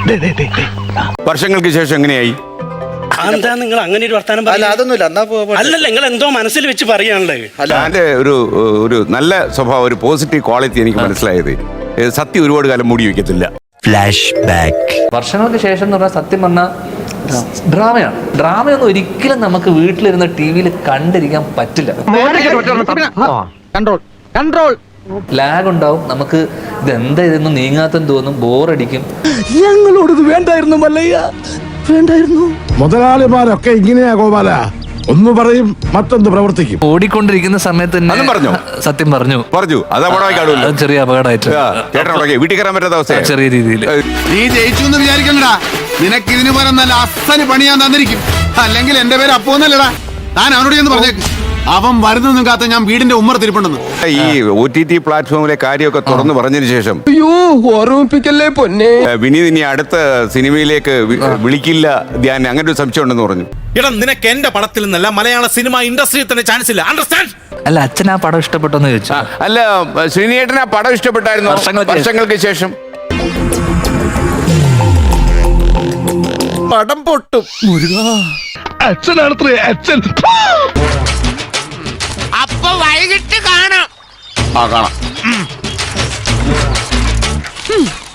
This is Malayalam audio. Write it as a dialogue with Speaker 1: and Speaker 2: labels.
Speaker 1: വർഷങ്ങൾക്ക് ശേഷം എങ്ങനെയായി?
Speaker 2: എന്താ നിങ്ങൾ അങ്ങനെ ഒരു വർത്താനം
Speaker 3: അതൊന്നുമില്ല.
Speaker 2: അല്ലല്ല, നിങ്ങൾ എന്തോ മനസ്സിൽ വെച്ച് പറയാനുള്ളത്.
Speaker 1: അതിന്റെ ഒരു നല്ല സ്വഭാവം, ഒരു പോസിറ്റീവ് ക്വാളിറ്റി എനിക്ക് മനസ്സിലായത്, സത്യം ഒരുപാട് കാലം മൂടി വെക്കത്തില്ല. Flashback.
Speaker 4: വർഷങ്ങൾക്ക് ശേഷം എന്ന് പറഞ്ഞാൽ സത്യം പറഞ്ഞാൽ ഡ്രാമയാണ്. ഡ്രാമയൊന്നും ഒരിക്കലും നമുക്ക് വീട്ടിലിരുന്ന് TV-യിൽ കണ്ടിരിക്കാൻ പറ്റില്ല. ലാഗ് ഉണ്ടാവും, നമുക്ക് ഇതെന്താ ഇതൊന്നും നീങ്ങാത്തെന്ന് തോന്നും, ബോറടിക്കും.
Speaker 5: ഞങ്ങളോടത് വേണ്ടായിരുന്നു മല്ലയ്യ, വേണ്ടായിരുന്നു. മുതലാളിമാരൊക്കെ ഇങ്ങനെയാ ഗോപാല, ഒന്ന് പറയും മറ്റൊന്ന് പ്രവർത്തിക്കും.
Speaker 4: ഓടിക്കൊണ്ടിരിക്കുന്ന സമയത്ത് തന്നെ സത്യം പറഞ്ഞു
Speaker 1: അത്
Speaker 4: ചെറിയ അപകടമായിട്ട്
Speaker 1: വീട്ടിൽ കയറാൻ പറ്റാത്ത അവസ്ഥ,
Speaker 4: ചെറിയ രീതിയിൽ.
Speaker 6: നീ ജയിച്ചു എന്ന് വിചാരിക്കണ്ടടാ, നിനക്ക് ഇതിന് പകരം നല്ല അസന് പണി ഞാൻ തന്നിരിക്കും. അല്ലെങ്കിൽ എന്റെ പേര് അപ്പോന്നല്ലടാ. താൻ അവനോട് എന്ന് പറഞ്ഞേക്ക്, അവൻ വരുന്നൊന്നും കാത്ത ഞാൻ വീടിന്റെ ഉമ്മർ തിരിപ്പുണ്ടെന്ന്.
Speaker 1: ഈ OTT പ്ലാറ്റ്ഫോമിലെ കാര്യമൊക്കെ തുറന്നു പറഞ്ഞതിന് ശേഷം
Speaker 5: ഓർമ്മിപ്പിക്കല്ലേ പൊന്നെ,
Speaker 1: വിനീത് ഇനി അടുത്ത സിനിമയിലേക്ക് വിളിക്കില്ല ധ്യാൻ, അങ്ങനെ ഒരു സംശയം ഉണ്ടെന്ന് പറഞ്ഞു.
Speaker 7: എടാ, നിനക്ക് എന്റെ പടത്തിൽ നിന്നല്ല മലയാള സിനിമ ഇൻഡസ്ട്രിയിൽ തന്നെ ചാൻസ് ഇല്ല. അണ്ടർസ്റ്റാൻഡ്?
Speaker 4: അല്ല, അച്ഛൻ ആ പടം ഇഷ്ടപ്പെട്ടെന്ന് ചോദിച്ചു.
Speaker 1: അല്ല, ശ്രീനിയേട്ടൻ ആ പടം ഇഷ്ടപ്പെട്ടായിരുന്നു വർഷങ്ങൾക്ക് ശേഷം?
Speaker 7: പടം പൊട്ടും.
Speaker 5: അച്ഛനാണത്രേ അച്ഛൻ.
Speaker 7: അപ്പൊ വൈകിട്ട് കാണാം.
Speaker 1: കാണാം.